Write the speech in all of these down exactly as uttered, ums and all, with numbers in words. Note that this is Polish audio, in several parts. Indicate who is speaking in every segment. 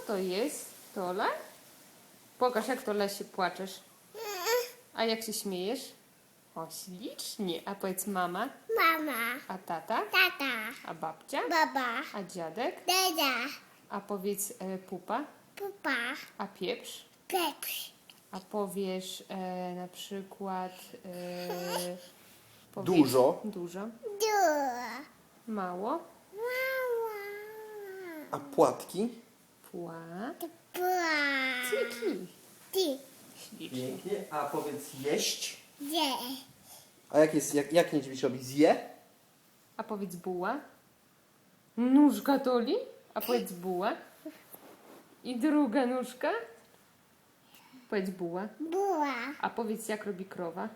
Speaker 1: to jest, Tola? Pokaż, jak Tola się płaczesz. A jak się śmiejesz? O, ślicznie. A powiedz mama.
Speaker 2: Mama.
Speaker 1: A tata?
Speaker 2: Tata.
Speaker 1: A babcia?
Speaker 2: Baba.
Speaker 1: A dziadek?
Speaker 2: Dada.
Speaker 1: A powiedz e, pupa?
Speaker 2: Pupa.
Speaker 1: A pieprz?
Speaker 2: Pepsi.
Speaker 1: A powiesz e, na przykład... E, powiedz,
Speaker 3: Dużo.
Speaker 1: Dużo.
Speaker 2: Dua.
Speaker 1: Mało.
Speaker 2: Mama.
Speaker 3: A płatki?
Speaker 1: Pła.
Speaker 2: Pua.
Speaker 1: Cyki.
Speaker 2: Ty.
Speaker 1: Ślicznie.
Speaker 3: Pięknie. A powiedz jeść.
Speaker 2: Je.
Speaker 3: A jak jest, jak, jak niedźwiedź robi? Zje?
Speaker 1: A powiedz buła. Nóżka Toli. A powiedz buła. I druga nóżka. Powiedz buła.
Speaker 2: Bua.
Speaker 1: A powiedz, jak robi krowa.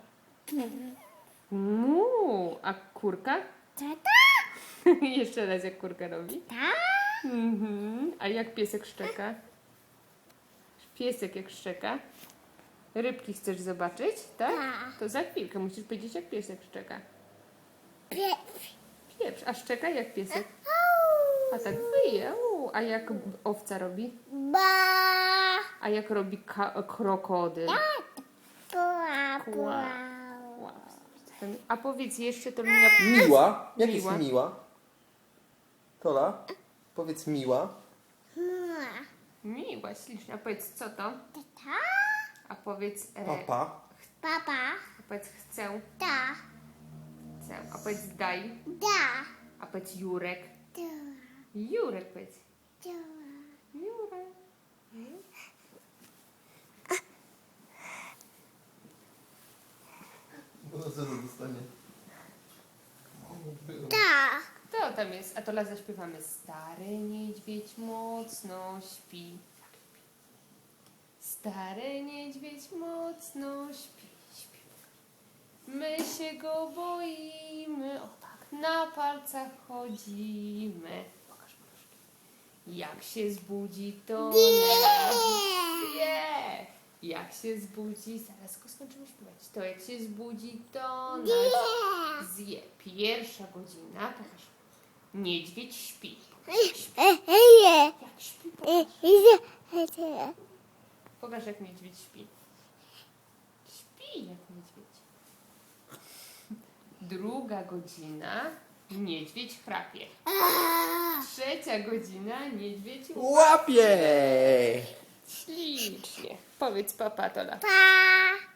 Speaker 1: Mu. A kurka?
Speaker 2: Tata.
Speaker 1: Jeszcze raz, jak kurka robi.
Speaker 2: Ta.
Speaker 1: Mhm. A jak piesek szczeka? Piesek jak szczeka. Rybki chcesz zobaczyć, tak?
Speaker 2: Tak.
Speaker 1: To za chwilkę musisz powiedzieć, jak piesek szczeka.
Speaker 2: Pepsi.
Speaker 1: Pieprz, a szczeka jak piesek. A tak wyje. U, a jak owca robi?
Speaker 2: Ba.
Speaker 1: A jak robi ka- krokodyl?
Speaker 2: Pua.
Speaker 1: Kła.
Speaker 2: Pua.
Speaker 1: A powiedz jeszcze, to miła...
Speaker 3: Miła. Jak
Speaker 1: Miła.
Speaker 3: jest miła? Tola? Powiedz miła.
Speaker 2: Mua.
Speaker 1: Miła, ślicznie. A powiedz, co to?
Speaker 2: Tata.
Speaker 1: A powiedz... E,
Speaker 3: Papa.
Speaker 2: Papa.
Speaker 1: a powiedz, chcę.
Speaker 2: Ta.
Speaker 1: Chcę. A powiedz, daj.
Speaker 2: Da.
Speaker 1: A powiedz, Jurek.
Speaker 2: Dua.
Speaker 1: Jurek powiedz.
Speaker 2: Dua.
Speaker 1: Jurek.
Speaker 3: Bo co to dostanie?
Speaker 2: Ta.
Speaker 1: To tam jest. A to la zaśpiewamy. Stary niedźwiedź mocno śpi. Stary niedźwiedź mocno śpi, śpi. My się go boimy. O tak, na palcach chodzimy. Pokaż nóżki. Jak się zbudzi, to nas zje. Jak się zbudzi, zaraz go skończymy śpiewać. To jak się zbudzi, to nas zje. Pierwsza godzina, pokaż. Niedźwiedź śpi. Jak śpi, pokaż. Pokaż, jak niedźwiedź śpi. Śpi jak niedźwiedź. Druga godzina, niedźwiedź chrapie. Trzecia godzina, niedźwiedź
Speaker 3: Łapie!
Speaker 1: ślicznie. Powiedz papa, Tola.
Speaker 2: Pa.